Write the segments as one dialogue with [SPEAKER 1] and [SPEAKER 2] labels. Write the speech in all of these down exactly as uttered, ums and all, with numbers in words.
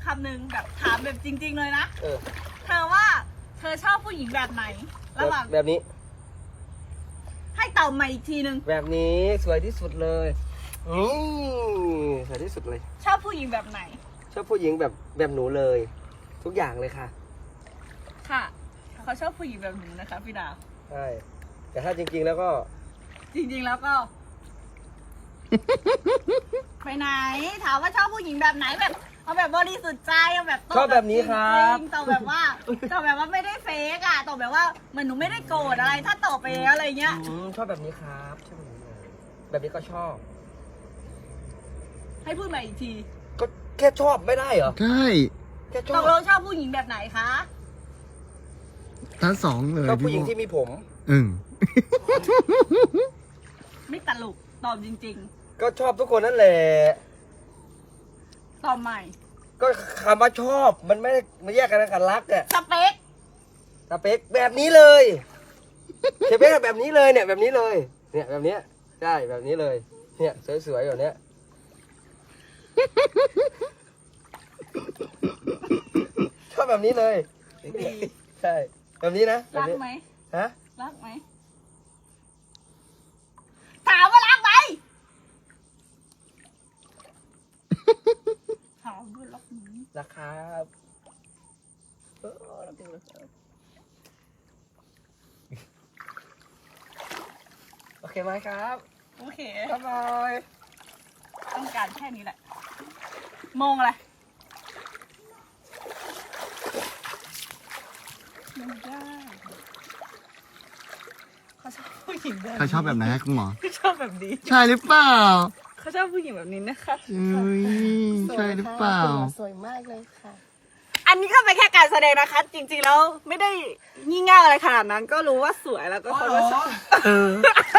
[SPEAKER 1] ำหนึ่งแบบถามแบบจริง ๆ เลยนะ
[SPEAKER 2] เออ
[SPEAKER 1] เธอว่าเธอชอบผู้หญิงแบบไหนระหว่าง
[SPEAKER 2] แบบนี้
[SPEAKER 1] ให้ตอบมาอีกทีนึง
[SPEAKER 2] แบบนี้สวยที่สุดเลยอืมสวยที่สุดเลย
[SPEAKER 1] ชอบผู้หญิงแบบไหน
[SPEAKER 2] ชอบผู้หญิงแบบแบบหนูเลย ทุกอย่างเลยค่ะ
[SPEAKER 1] ค่ะเขาชอบผู้หญิงแบบหนูนะคะพี่ดาว
[SPEAKER 2] ใช่แต่ถ้าจริงๆแล้วก็
[SPEAKER 1] จริงๆแล้วก็ ไปไหนถามว่าชอบผู้หญิงแบบไหนแบบเอาแบบบริสุทธิ์ใจเอาแบบ
[SPEAKER 2] ชอบแบบนี้ครับ
[SPEAKER 1] จงๆตอบแบบว่าตอบแบบว่าไม่ได้เฟกอะตอบแบบว่าเหมือนหนูไม่ได้โกรธอะไร ถ้าตอบไปแล้วอะไรเงี้ย
[SPEAKER 2] อืมชอบแบบนี้ครับชอบแบบนี้เลยแบบนี้ก็ชอบ
[SPEAKER 1] ให้พูดมาอีกที
[SPEAKER 2] ก็แค่ชอบไม่ได้เหรอ
[SPEAKER 3] ใช่
[SPEAKER 2] แค่ช
[SPEAKER 1] ต
[SPEAKER 2] อบ
[SPEAKER 1] กลงชอบผู้หญิงแบบไหนคะ
[SPEAKER 3] ทั้งสองเลย
[SPEAKER 2] ชอบผู้หญิง
[SPEAKER 3] พี่
[SPEAKER 2] ที่มีผม
[SPEAKER 3] อืม
[SPEAKER 1] ไม่ตลกตอบจริง
[SPEAKER 2] ก็ชอบทุกคนนั่นแหละ
[SPEAKER 1] ๆ ตอบใหม่
[SPEAKER 2] ก็คำว่าชอบมันไม่ได้มาแยกกันกับรักอะ
[SPEAKER 1] สเปค
[SPEAKER 2] สเปคแบบนี้เลยสเปคแบบนี้เลยเนี่ยแบบนี้เลย เนี่ยแบบเนี้ยใช่แบบนี้เลย เนี่ยสวยๆแบบเนี้ยชอบแบบนี้เลย
[SPEAKER 1] ดี
[SPEAKER 2] ใช่แบบนี้นะแบบ
[SPEAKER 1] รัก
[SPEAKER 2] นี้
[SPEAKER 1] ไหม
[SPEAKER 2] ฮะ
[SPEAKER 1] รักไหมถามว่ารักไหมถามว่ารักไหม
[SPEAKER 2] รักครับเออรักจริงเลยครับโอเคไหมครับ
[SPEAKER 1] โอเค
[SPEAKER 2] บ๊ายบาย
[SPEAKER 1] ต้องการแค่นี้แหละมองอะไรไม่ได้เขาชอบผู้หญิงแบบ
[SPEAKER 3] เขาชอบแบบไหนฮะคุณหมอ
[SPEAKER 1] เขาชอบแบบนี้
[SPEAKER 3] ใช่หรือเปล่า
[SPEAKER 1] เขาชอบผู้หญิงแบบนี้นะคะ
[SPEAKER 3] เอ้ยใช่หรือเปล่า
[SPEAKER 4] สวยมากเลยค่ะ
[SPEAKER 1] อันนี้ก็เป็นแค่การแสดงนะคะ จริงๆแล้วไม่ได้งี่เง่าอะไรขนาดนั้น ก็รู้ว่าสวยแล้วก็เขาก็ชอบ
[SPEAKER 2] เออ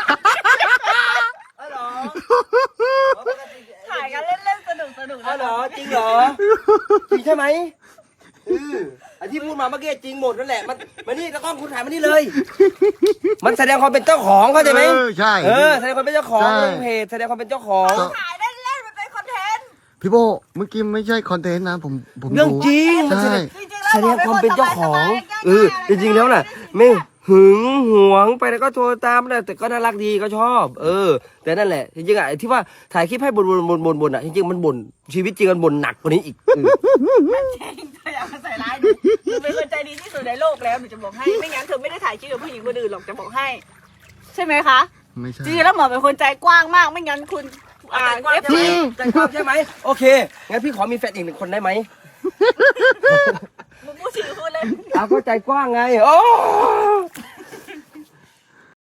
[SPEAKER 2] อ๋อเหรอ
[SPEAKER 1] ถ่ายกันเล่นๆสนุกสนุก
[SPEAKER 2] อ๋อเหรอจริงเหรอจริงใช่ไหมเออไอที่พูดมาเมื่อกี้จริงหมดนั่นแหละมันมานี่ตะกล้องคุณถ่ายมานี่เลย มันแสดงความเป็นเจ้าของเข้าใจไหม
[SPEAKER 3] เออใช่
[SPEAKER 2] เออแสดงความเป็นเจ้าของ
[SPEAKER 3] ใช่
[SPEAKER 2] ลงเพจแสดงความเป็นเจ้าของ
[SPEAKER 1] ถ่ายเล่นๆมันเป็นคอนเทนต์
[SPEAKER 3] พี่โบเมื่อกี้ไม่ใช่คอนเทนต์นะผมผม
[SPEAKER 2] เรื่องจริงมันแส
[SPEAKER 3] ใช่
[SPEAKER 2] ดง
[SPEAKER 1] จริงๆแล้ว
[SPEAKER 2] แสดงความเป็นเจ้าของ
[SPEAKER 1] ๆ
[SPEAKER 2] เออจริงๆแล้วน่ะ ไม่หึงหวงไปแล้วก็โทรตามนะแต่ก็น่ารักดีก็ชอบ เออ แต่นั่นแหละจริงๆอ่ะไอ้ที่ว่าถ่ายคลิปให้บ่นบ่นบ่นบ่นบ่นอ่ะจริงๆมันบ่นชีวิตจริงมันบ่นหนักกว่านี้อีกเออ
[SPEAKER 1] จริงเธออยากมาใส่ร้ายหนูหนูเป็นคนใจดีที่สุดในโลกแล้วหนูจะบอกให้ไม่งั้นเธอไม่ได้ถ่ายคลิปกับผู้หญิงคนอื่นหรอกจะบอกให้ ใช่ไหมคะ
[SPEAKER 3] ไม่ใช่
[SPEAKER 1] จริงๆแล้วหมอเป็นคนใจกว้างมากไม่งั้นคุณอ่า
[SPEAKER 2] ใจกว้าง
[SPEAKER 1] เอฟ
[SPEAKER 2] ใช่ไหม
[SPEAKER 1] ซี
[SPEAKER 2] ใจกว้างใช่ไหมโอเคงั้นพี่ขอมีแฟนอีกหนึ่งคนได้ไหม
[SPEAKER 1] มึงพูดชื่อพูดเลย
[SPEAKER 2] เอาก็ใจกว้างไงโอ้